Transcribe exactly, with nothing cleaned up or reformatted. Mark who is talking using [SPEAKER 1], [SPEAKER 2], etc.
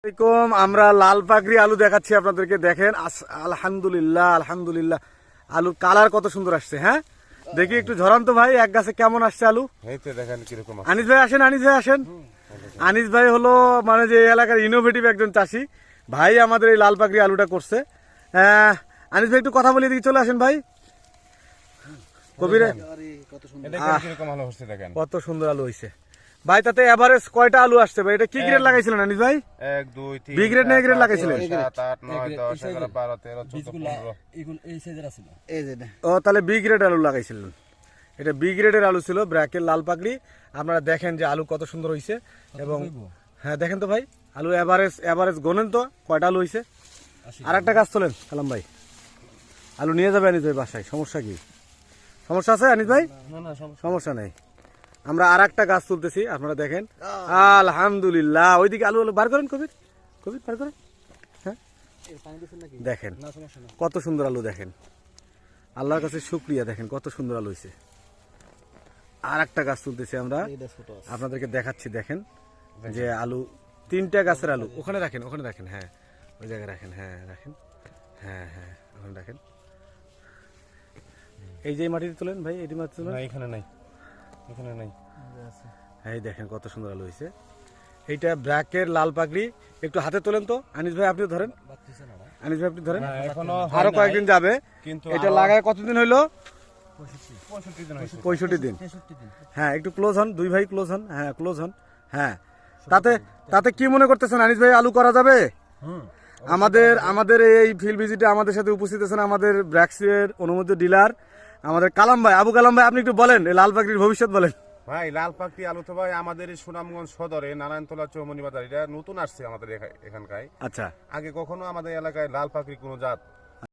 [SPEAKER 1] আসসালামাইকুম। আমরা লাল পাকড়ি আলু দেখাচ্ছি আপনাদেরকে, দেখেন। আলহামদুলিল্লাহ আলহামদুলিল্লাহ, আলুর কালার কত সুন্দর আসছে। হ্যাঁ, দেখি একটু ঝরান তো ভাই, এক গাছে কেমন আসছে আলু।
[SPEAKER 2] দেখেন কিরকম।
[SPEAKER 1] আনিস ভাই আসেন, আনিস ভাই আসেন। আনিস ভাই হলো মানে যে এলাকার ইনোভেটিভ একজন চাষি ভাই, আমাদের এই লাল পাকড়ি আলুটা করছে। আহ, আনিস ভাই একটু কথা বলে দিকে চলে আসেন ভাই। কবিরে কত সুন্দর আলু হয়েছে ভাই। তাতে এভারেজ কয়টা আলু আসছে ভাই? এটা কি গ্রেড লাগাইছিলেন আনিস ভাই?
[SPEAKER 2] এক দুই তিন
[SPEAKER 1] বি গ্রেড না এ গ্রেড লাগাইছিলেন?
[SPEAKER 2] সাত আট নয় দশ এগারো বারো তেরো চোদ্দ পনেরো।
[SPEAKER 1] ও তাহলে বি গ্রেড আলু লাগাইছিলেন। এটা বি গ্রেডের আলু ছিল, ব্র্যাকের লাল পাকড়ি। আপনারা দেখেন যে আলু কত সুন্দর হয়েছে। এবং হ্যাঁ দেখেন তো ভাই, আলু এভারেজ এভারেজ গোনেন তো কয়টা আলু হয়েছে। আর একটা গাছ তোলেন কালাম ভাই, আলু নিয়ে যাবে আনিস ভাই বাসায়। সমস্যা কি, সমস্যা আছে আনিস ভাই? সমস্যা নেই, আমরা আর একটা গাছ তুলতেছি, আপনারা দেখেন। আলহামদুলিল্লাহ, ওইদিকে আলু আলু বার করেন কবির, কবির বার করেন। হ্যাঁ দেখেন কত সুন্দর আলু, দেখেন আল্লাহর কাছে শুকরিয়া, দেখেন কত সুন্দর আলু হয়েছে। আর একটা গাছ তুলতেছি আমরা, আপনাদেরকে দেখাচ্ছি। দেখেন যে আলু, তিনটা গাছের আলু। ওখানে রাখেন, ওখানে রাখেন, হ্যাঁ ওই জায়গায় রাখেন, হ্যাঁ রাখেন, হ্যাঁ হ্যাঁ ওখানে রাখেন। এই যে মাটিতে তোলেন ভাই, এই মাটি তোলেন।
[SPEAKER 2] এখানে নাই, এখানে নাই।
[SPEAKER 1] এই দেখেন কত সুন্দর আলু হয়েছে। এইটা ব্র্যাকের লাল পাকড়ি। একটু হাতে তোলেন তো আনিস ভাই, আপনি ধরেন। আনিস ভাই আপনি ধরেন, আরো কয়েকদিন যাবে। এটা লাগায় কতদিন হইলো? পঁয়ষট্টি দিন। হ্যাঁ একটু ক্লোজ হন, দুই ভাই ক্লোজ হন, হ্যাঁ ক্লোজ হন। হ্যাঁ তাতে তাতে কি মনে করতেছেন আনিস ভাই, আলু করা যাবে? আমাদের আমাদের এই ফিল্ড ভিজিটে আমাদের সাথে উপস্থিত আছেন আমাদের ব্র্যাক্সের অনুমোদিত ডিলার আমাদের কালাম ভাই, আবু কালাম ভাই। আপনি একটু বলেন এই লাল পাকড়ির ভবিষ্যৎ বলেন
[SPEAKER 2] ভাই। লাল পাকড়ি আলু তো ভাই আমাদের এই সুনামগঞ্জ সদরে নারায়ণতলা চৌমনি বাজার, এটা নতুন আসছে আমাদের এখানকার।
[SPEAKER 1] আচ্ছা,
[SPEAKER 2] আগে কখনো আমাদের এলাকায় লাল পাকড়ি কোনো জাত